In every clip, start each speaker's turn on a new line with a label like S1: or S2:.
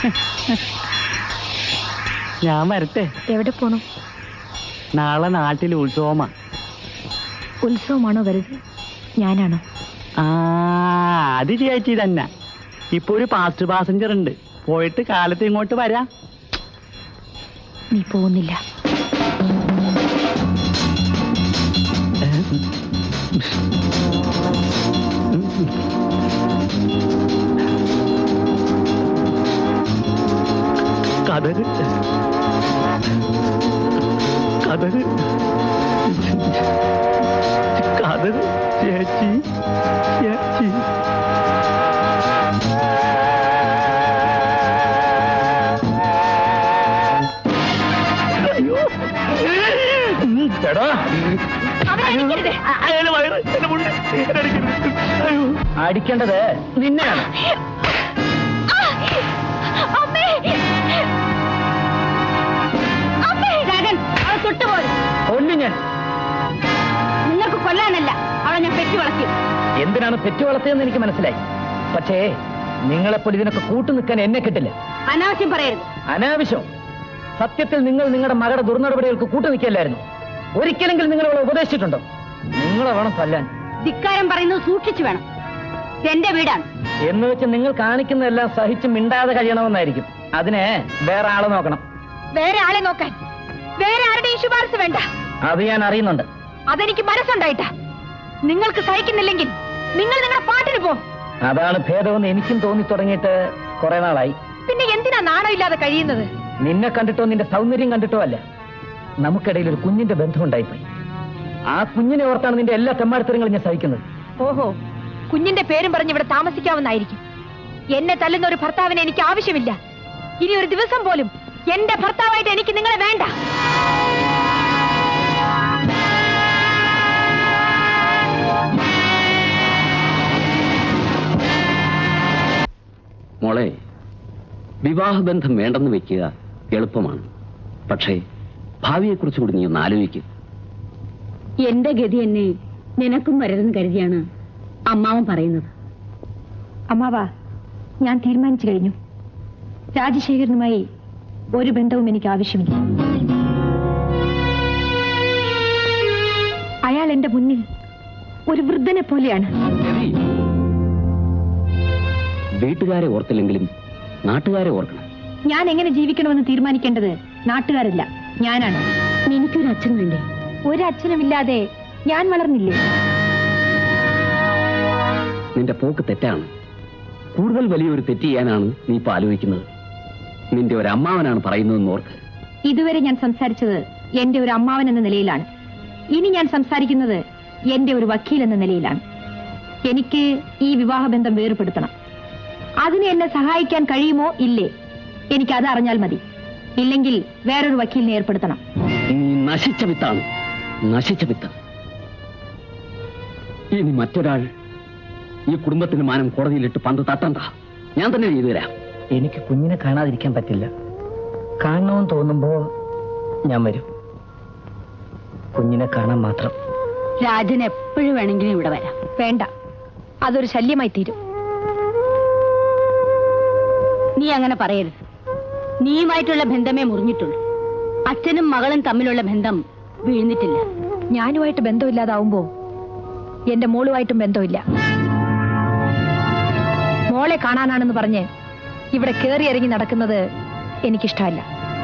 S1: ഞാൻ വരട്ടെ.
S2: എവിടെ പോണു?
S1: നാളെ നാട്ടിൽ ഉത്സവമാ.
S2: ഉത്സവമാണോ വലുത്? ഞാനാണോ?
S1: അത് ചേച്ചി തന്നെ. ഇപ്പൊ ഒരു ഫാസ്റ്റ് പാസഞ്ചർ ഉണ്ട്, പോയിട്ട് കാലത്ത് ഇങ്ങോട്ട് വരാം.
S2: നീ പോകുന്നില്ല.
S1: കഥക് കഥക് കഥക് ചേച്ചി ചേച്ചി.
S3: അടിക്കേണ്ടത് നിന്നെയാണ്. ഞാൻ
S2: നിങ്ങൾക്ക് കൊല്ലാനല്ല, അവളെ ഞാൻ പെറ്റി വളർത്തി.
S3: എന്തിനാണ് പെറ്റി വളർത്തിയെന്ന് എനിക്ക് മനസ്സിലായി. പക്ഷേ നിങ്ങളെപ്പോൾ ഇതിനൊക്കെ കൂട്ടു നിൽക്കാൻ എന്നെ കിട്ടില്ല.
S2: അനാവശ്യം പറയരുത്.
S3: അനാവശ്യം? സത്യത്തിൽ നിങ്ങൾ നിങ്ങളുടെ മകളുടെ ദുർനടപടികൾക്ക് കൂട്ടു നിൽക്കല്ലായിരുന്നു. ഒരിക്കലെങ്കിലും നിങ്ങൾ അവളെ ഉപദേശിച്ചിട്ടുണ്ടോ? നിങ്ങളെ വേണം തല്ലാൻ.
S2: ധിക്കാരം പറയുന്നത് സൂക്ഷിച്ചു വേണം. എന്റെ വീടാണ്
S3: എന്ന് വെച്ച് നിങ്ങൾ കാണിക്കുന്നതെല്ലാം സഹിച്ച് മിണ്ടാതെ കഴിയണമെന്നായിരിക്കും. അതിനെ വേറെ ആളെ നോക്കണം.
S2: വേറെ ആളെ നോക്കാൻ വേറെ ആരുടെയും ശുപാർശ വേണ്ട.
S3: അത് ഞാൻ അറിയുന്നുണ്ട്.
S2: അതെനിക്ക് മനസ്സുണ്ടായിട്ടാ. നിങ്ങൾക്ക് സഹിക്കുന്നില്ലെങ്കിൽ നിങ്ങൾ നിങ്ങളുടെ പാട്ടിന് പോ.
S3: അതാണ് ഭേദമെന്ന് എനിക്കും തോന്നി തുടങ്ങിയിട്ട് കുറെ നാളായി.
S2: പിന്നെ എന്തിനാ നാണം ഇല്ലാതെ കഴിയുന്നത്?
S3: നിന്നെ കണ്ടിട്ടോ നിന്റെ സൗന്ദര്യം കണ്ടിട്ടോ അല്ല, നമുക്കിടയിൽ ഒരു കുഞ്ഞിന്റെ ബന്ധം ഉണ്ടായിപ്പോയി. ആ കുഞ്ഞിനെ ഓർത്താണ് നിന്റെ എല്ലാ തെമ്മാടിത്തരങ്ങളും ഞാൻ സഹിക്കുന്നത്.
S2: ഓഹോ, കുഞ്ഞിന്റെ പേരും പറഞ്ഞ് ഇവിടെ താമസിക്കാവുന്നായിരിക്കും. എന്നെ തല്ലുന്ന ഒരു ഭർത്താവിനെ എനിക്ക് ആവശ്യമില്ല. ഇനി ഒരു ദിവസം പോലും എന്റെ ഭർത്താവായിട്ട് എനിക്ക് നിങ്ങളെ വേണ്ട.
S4: മോളെ, വിവാഹബന്ധം വേണ്ടെന്ന് വെക്കുക എളുപ്പമാണ്. പക്ഷേ ഭാവിയെക്കുറിച്ച് കൂടി നീ ഒന്ന് ആലോചിക്കുക.
S2: എന്റെ ഗതി എന്നെ നിനക്കും വരരുതെന്ന് കരുതിയാണ് അമ്മാവൻ പറയുന്നത്. അമ്മാവാ, ഞാൻ തീരുമാനിച്ചു കഴിഞ്ഞു. രാജശേഖരനുമായി ഒരു ബന്ധവും എനിക്ക് ആവശ്യമില്ല. അയാൾ എന്റെ മുന്നിൽ ഒരു വൃദ്ധനെ പോലെയാണ്.
S4: വീട്ടുകാരെ ഓർത്തില്ലെങ്കിലും നാട്ടുകാരെ ഓർക്കണം.
S2: ഞാൻ എങ്ങനെ ജീവിക്കണമെന്ന് തീരുമാനിക്കേണ്ടത് നാട്ടുകാരല്ല, ഞാനാണ്. എനിക്കൊരു അച്ഛൻ വേണ്ടേ? ഒരു അച്ഛനുമില്ലാതെ ഞാൻ വളർന്നില്ലേ?
S4: നിന്റെ പോക്ക് തെറ്റാണ്. കൂടുതൽ വലിയൊരു തെറ്റ് ചെയ്യാനാണ് നീ ഇപ്പൊ ആലോചിക്കുന്നത്. നിന്റെ ഒരു അമ്മാവനാണ് പറയുന്നതെന്ന് ഓർക്ക്.
S2: ഇതുവരെ ഞാൻ സംസാരിച്ചത് എന്റെ ഒരു അമ്മാവൻ എന്ന നിലയിലാണ്. ഇനി ഞാൻ സംസാരിക്കുന്നത് എന്റെ ഒരു വക്കീൽ എന്ന നിലയിലാണ്. എനിക്ക് ഈ വിവാഹബന്ധം വേർപെടുത്തണം. അതിന് എന്നെ സഹായിക്കാൻ കഴിയുമോ ഇല്ലേ, എനിക്കത് അറിഞ്ഞാൽ മതി. ഇല്ലെങ്കിൽ വേറൊരു വക്കീലിനെ ഏർപ്പെടുത്തണം.
S4: നീ നശിച്ച വിത്താണ്, നശിച്ച വിത്ത്. ഇനി മറ്റൊരാൾ ഈ കുടുംബത്തിന് മാനം കോടതിയിലിട്ട് പന്ത് തട്ടണ്ട. ഞാൻ തന്നെ ചെയ്തു തരാം.
S3: എനിക്ക് കുഞ്ഞിനെ കാണാതിരിക്കാൻ പറ്റില്ല. കാണണമെന്ന് തോന്നുമ്പോ ഞാൻ വരും. കുഞ്ഞിനെ കാണാൻ മാത്രം.
S2: രാജൻ എപ്പോഴും വേണമെങ്കിലും ഇവിടെ വരാം. വേണ്ട, അതൊരു ശല്യമായി തീരും. നീ അങ്ങനെ പറയരുത്. നീയുമായിട്ടുള്ള ബന്ധമേ മുറിഞ്ഞിട്ടുള്ളൂ. അച്ഛനും മകളും തമ്മിലുള്ള ബന്ധം വീഴ്ന്നിട്ടില്ല. ഞാനുമായിട്ട് ബന്ധമില്ലാതാവുമ്പോ എന്റെ മോളുമായിട്ടും ബന്ധമില്ല. മോളെ കാണാനാണെന്ന് പറഞ്ഞ് ഇവിടെ കേറി ഇറങ്ങി നടക്കുന്നത് എനിക്കിഷ്ടമല്ല.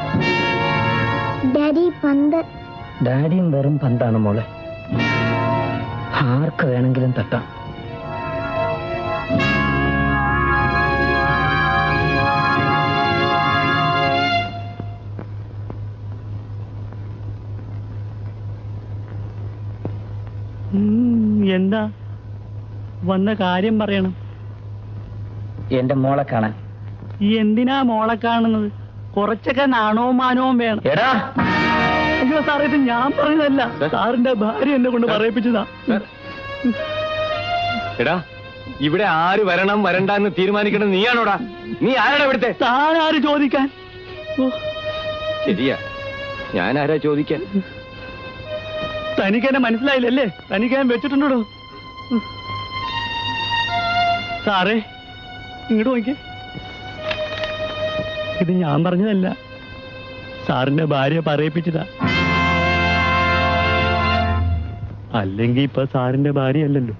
S3: ഡാഡിയും വെറും പന്താണ് മോളെ. ആർക്ക് വേണമെങ്കിലും തട്ടാം.
S1: എന്താ വന്ന കാര്യം പറയണം.
S3: എന്റെ മോളെ കാണാൻ.
S1: എന്തിനാ മോളെ കാണുന്നത്? കുറച്ചൊക്കെ നാണവും മാനവും വേണം.
S3: എടാ,
S1: അയ്യോ സാറേ, ഇത് ഞാൻ പറഞ്ഞതല്ല, സാറിന്റെ ഭാര്യ എന്നെ കൊണ്ട് പറയിപ്പിച്ചതാ.
S5: എടാ, ഇവിടെ ആര് വരണം വരണ്ട എന്ന് തീരുമാനിക്കണം നീയാണോടാ? നീ ആരാടാ ഇവിടുത്തെ?
S1: താൻ ആര് ചോദിക്കാൻ?
S5: ശരിയാ, ഞാൻ ആരാ ചോദിക്കാൻ?
S1: തനിക്ക് എന്നെ മനസ്സിലായില്ലല്ലേ? തനിക്ക് ഞാൻ വെച്ചിട്ടുണ്ടോ? സാറേ, ഇങ്ങോട്ട് നോക്കി. ഇത് ഞാൻ പറഞ്ഞതല്ല, സാറിന്റെ ഭാര്യ പറയിപ്പിച്ചതാ. അല്ലെങ്കിൽ ഇപ്പൊ സാറിന്റെ ഭാര്യ അല്ലല്ലോ.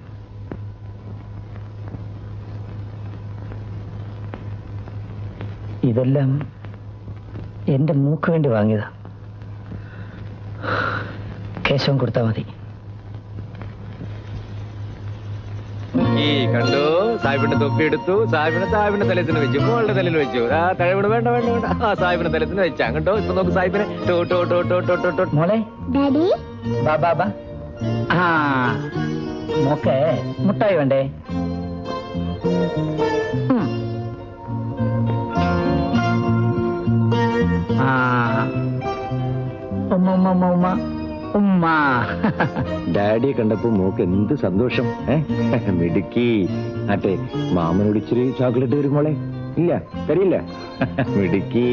S3: ഇതെല്ലാം എന്റെ മൂക്ക് വേണ്ടി വാങ്ങിയതാ. കേശവൻ കൊടുത്താ മതി.
S5: ഈ കണ്ടു, സാഹിബിന്റെ തൊപ്പി എടുത്തു, സാഹിബിന്റെ തലത്തിന് വെച്ചു, മോളുടെ തലയിൽ വെച്ചു. ആ തഴവിട് വേണ്ട വേണ്ട വേണ്ട, ആ സാഹിബിന്റെ തലത്തിന് വെച്ചാ കണ്ടോ. ഇപ്പൊ നോക്ക് സാഹിബിനെ.
S3: മോളെ ബാ ബാ ബാ. ആ മോക്കെ മുട്ടായി വേണ്ടേ? ആ ഉമ്മ ഉമ്മ ഉമ്മ ഉമ്മ ഉമ്മ.
S5: ഡാഡിയെ കണ്ടപ്പോ മോക്ക് എന്ത് സന്തോഷം. മിടുക്കി. ആട്ടെ, മാമനോട് ഇച്ചിരി ചോക്ലേറ്റ് വരും മോളെ. ഇല്ല, തരില്ല. മിടുക്കി.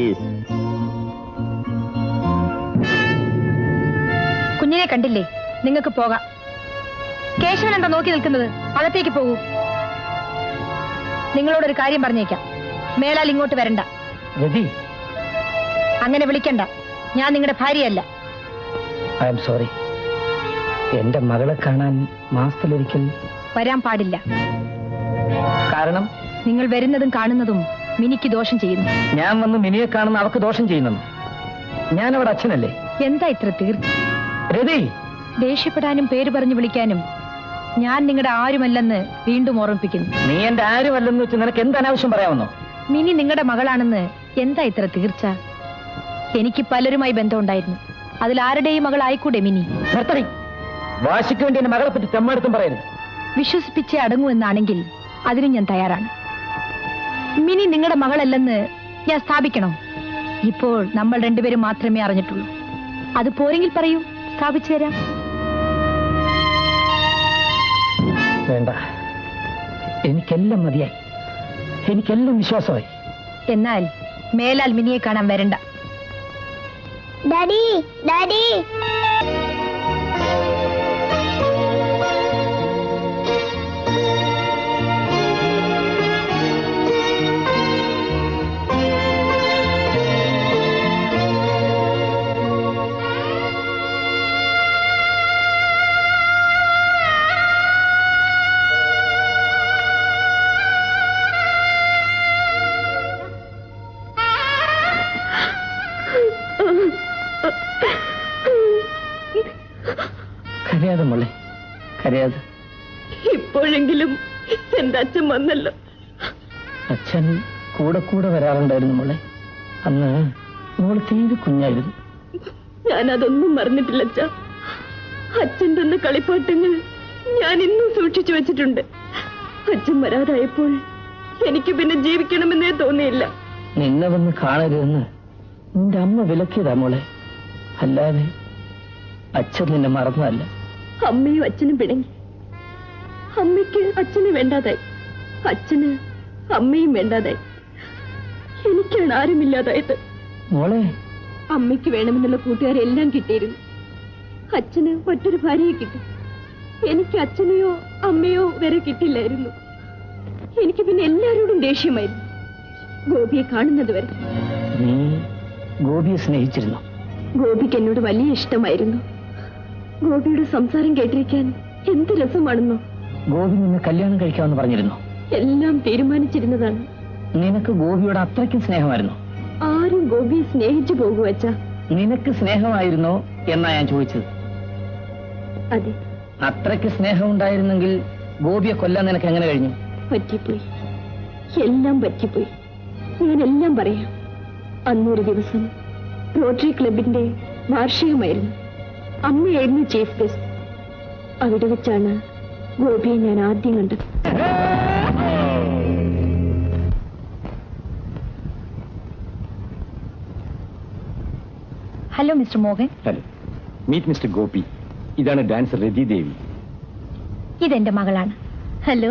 S2: കുഞ്ഞിനെ കണ്ടില്ലേ? നിങ്ങൾക്ക് പോകാം. കേശവൻ എന്താ നോക്കി നിൽക്കുന്നത്? അകത്തേക്ക് പോകൂ. നിങ്ങളോടൊരു കാര്യം പറഞ്ഞേക്കാം, മേലാൽ ഇങ്ങോട്ട് വരണ്ട.
S3: രതി,
S2: അങ്ങനെ വിളിക്കണ്ട. ഞാൻ നിങ്ങളുടെ ഭാര്യയല്ല.
S3: I am sorry. എന്റെ മകളെ കാണാൻ മാസത്തിലൊരിക്കൽ
S2: വരാൻ പാടില്ല.
S3: കാരണം
S2: നിങ്ങൾ വരുന്നതും കാണുന്നതും മിനിക്ക് ദോഷം ചെയ്യുന്നു.
S3: ഞാൻ വന്ന് മിനിയെ കാണുന്ന അവക്ക് ദോഷം ചെയ്യുന്നു. ഞാൻ അവിടെ അച്ഛനല്ലേ?
S2: എന്താ ഇത്ര തീർച്ച?
S3: രതി,
S2: ദേഷ്യപ്പെടാനും പേര് പറഞ്ഞു വിളിക്കാനും ഞാൻ നിങ്ങളുടെ ആരുമല്ലെന്ന് വീണ്ടും ഓർമ്മിപ്പിക്കുന്നു.
S3: നീ എന്റെ ആരുമല്ലെന്ന് വെച്ച് നിനക്ക് എന്ത് അനാവശ്യം പറയാമെന്നോ?
S2: മിനി നിങ്ങളുടെ മകളാണെന്ന് എന്താ ഇത്ര തീർച്ച? എനിക്ക് പലരുമായി ബന്ധമുണ്ടായിരുന്നു. അതിൽ ആരുടെയും മകൾ ആയിക്കൂടെ മിനി?
S3: നിർത്തടി. വാശിക്ക് വേണ്ടി എന്റെ മകളെ പറ്റി തെമ്മാടുത്തും പറയരുത്.
S2: വിശ്വസിപ്പിച്ചേ അടങ്ങൂ എന്നാണെങ്കിൽ അതിനും ഞാൻ തയ്യാറാണ്. മിനി നിങ്ങളുടെ മകളല്ലെന്ന് ഞാൻ സ്ഥാപിക്കണോ? ഇപ്പോൾ നമ്മൾ രണ്ടുപേരും മാത്രമേ അറിഞ്ഞിട്ടുള്ളൂ. അത് പോരെങ്കിൽ പറയൂ, സ്ഥാപിച്ചു തരാം.
S3: വേണ്ട, എനിക്കെല്ലാം മതിയായി. എനിക്കെല്ലാം വിശ്വാസമായി.
S2: എന്നാൽ മേലാൽ മിനിയെ കാണാൻ വരണ്ട.
S6: Daddy, daddy.
S3: കരയാതെ മോളെ, കരയാതെ.
S6: ഇപ്പോഴെങ്കിലും എന്റെ അച്ഛൻ വന്നല്ലോ.
S3: അച്ഛൻ കൂടെ കൂടെ വരാറുണ്ടായിരുന്നു മോളെ. അന്ന് മോള് തീരെ കുഞ്ഞായിരുന്നു.
S6: ഞാനതൊന്നും മറന്നിട്ടില്ല അച്ഛാ. അച്ഛൻ തന്ന കളിപ്പാട്ടങ്ങൾ ഞാൻ ഇന്നും സൂക്ഷിച്ചു വെച്ചിട്ടുണ്ട്. അച്ഛൻ വരാതായപ്പോൾ എനിക്ക് പിന്നെ ജീവിക്കണമെന്നേ തോന്നിയില്ല.
S3: നിന്നെ വന്ന് കാണരുതെന്ന് നിന്റെ അമ്മ വിലക്കിയതാ മോളെ. അല്ലാതെ അച്ഛൻ നിന്നെ മറന്നതല്ല.
S6: അമ്മയും അച്ഛനും പിണങ്ങി. അമ്മയ്ക്ക് അച്ഛന് വേണ്ടാതായി, അച്ഛന് അമ്മയും വേണ്ടാതായി. എനിക്കാണ് ആരുമില്ലാതായത്.
S3: മോളെ,
S6: അമ്മയ്ക്ക് വേണമെന്നുള്ള കൂട്ടുകാരെല്ലാം കിട്ടിയിരുന്നു. അച്ഛന് മറ്റൊരു ഭാര്യയെ കിട്ടി. എനിക്ക് അച്ഛനെയോ അമ്മയോ വരെ കിട്ടില്ലായിരുന്നു. എനിക്ക് പിന്നെ എല്ലാവരോടും ദേഷ്യമായിരുന്നു, ഗോപിയെ കാണുന്നത് വരെ.
S3: നീ ഗോപിയെ സ്നേഹിച്ചിരുന്നു?
S6: ഗോപിക്ക് എന്നോട് വലിയ ഇഷ്ടമായിരുന്നു. ഗോപിയുടെ സംസാരം കേട്ടിരിക്കാൻ എന്ത് രസമാണെന്നോ.
S3: ഗോപി നിന്നെ കല്യാണം കഴിക്കാമെന്ന് പറഞ്ഞിരുന്നു?
S6: എല്ലാം തീരുമാനിച്ചിരുന്നതാണ്.
S3: നിനക്ക് ഗോപിയോട് അത്രയ്ക്കും സ്നേഹമായിരുന്നു?
S6: ആരും ഗോപിയെ സ്നേഹിച്ചു പോകും അച്ഛാ.
S3: നിനക്ക് സ്നേഹമായിരുന്നോ എന്നാ ഞാൻ ചോദിച്ചത്.
S6: അതെ.
S3: അത്രയ്ക്ക് സ്നേഹം ഉണ്ടായിരുന്നെങ്കിൽ ഗോപിയെ കൊല്ലാൻ നിനക്ക് എങ്ങനെ കഴിഞ്ഞു?
S6: പറ്റിപ്പോയി, എല്ലാം പറ്റിപ്പോയി. ഞാനെല്ലാം പറയാം. അന്നൊരു ദിവസം റോട്ടറി ക്ലബിന്റെ വാർഷികമായിരുന്നു. അമ്മയായിരുന്നു ചീഫ് ഗസ്റ്റ്. അവിടെ വെച്ചാണ് ഗോപിയെ ഞാൻ ആദ്യം കണ്ടത്.
S2: Hello mister Mohan.
S5: Hello, meet mister Gopi. ഇതാണ് ഡാൻസർ രതി ദേവി.
S2: ഇതെന്റെ മകളാണ്. ഹലോ.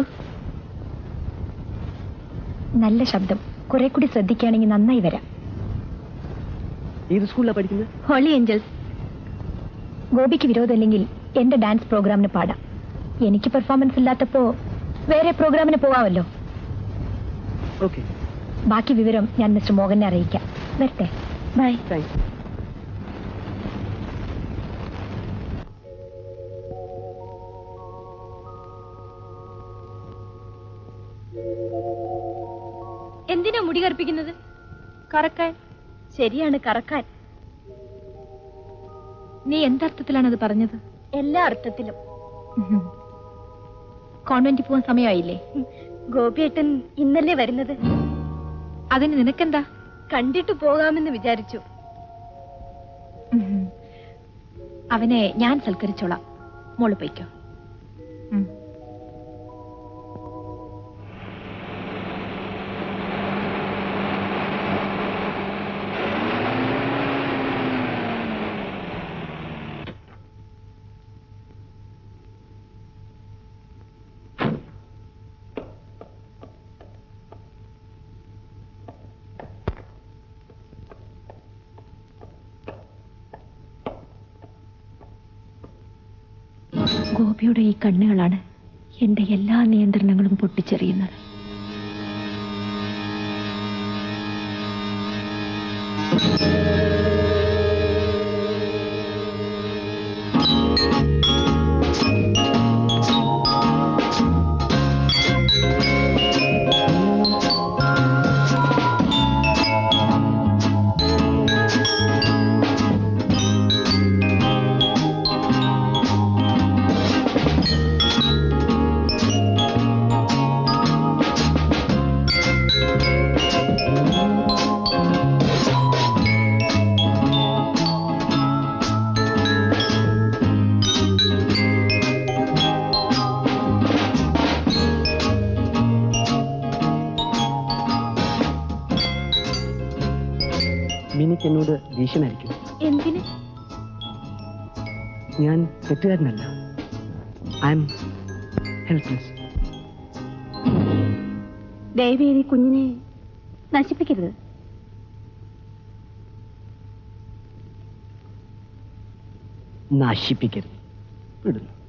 S2: നല്ല ശബ്ദം, കുറെ കൂടി ശ്രദ്ധിക്കുകയാണെങ്കിൽ നന്നായി വരാം.
S1: ഏത് സ്കൂളിലാണ് പഠിക്കുന്നത്?
S2: Holy Angels. ഗോപിക്ക് വിരോധമില്ലെങ്കിൽ എന്റെ ഡാൻസ് പ്രോഗ്രാമിന് പാടാം. എനിക്ക് പെർഫോമൻസ് ഇല്ലാത്തപ്പോ വേറെ പ്രോഗ്രാമിന് പോവാമല്ലോ.
S1: ഓക്കെ.
S2: ബാക്കി വിവരം ഞാൻ മിസ്റ്റർ മോഹനെ അറിയിക്കാം. വരട്ടെ. ബൈ.
S6: എന്തിനാ മുടി കറുപ്പിക്കുന്നത്? കറക്കാൻ. ശരിയാണ്, കറക്കാൻ.
S2: നീ എന്തർത്ഥത്തിലാണ് അത് പറഞ്ഞത്?
S6: എല്ലാ അർത്ഥത്തിലും.
S2: കോൺവെന്റിൽ പോകാൻ സമയമായില്ലേ?
S6: ഗോപിയേട്ടൻ ഇന്നല്ലേ വരുന്നത്.
S2: അതിന് നിനക്കെന്താ?
S6: കണ്ടിട്ട് പോകാമെന്ന് വിചാരിച്ചു.
S2: അവനെ ഞാൻ സൽക്കരിച്ചോളാം. മോള് പോയിക്കോ. ഗോപിയുടെ ഈ കണ്ണുകളാണ് എന്റെ എല്ലാ നിയന്ത്രണങ്ങളും പൊട്ടിച്ചെറിയുന്നത്.
S1: മിനിക്ക് എന്നോട് ദേഷ്യമായിരിക്കും.
S6: എന്തിന്?
S1: ഞാൻ തെറ്റുകാരനല്ല. I am helpless.
S6: ദയവേദി കുഞ്ഞിനെ നശിപ്പിക്കരുത്.
S1: നശിപ്പിക്കരുത്. വിടുന്നു.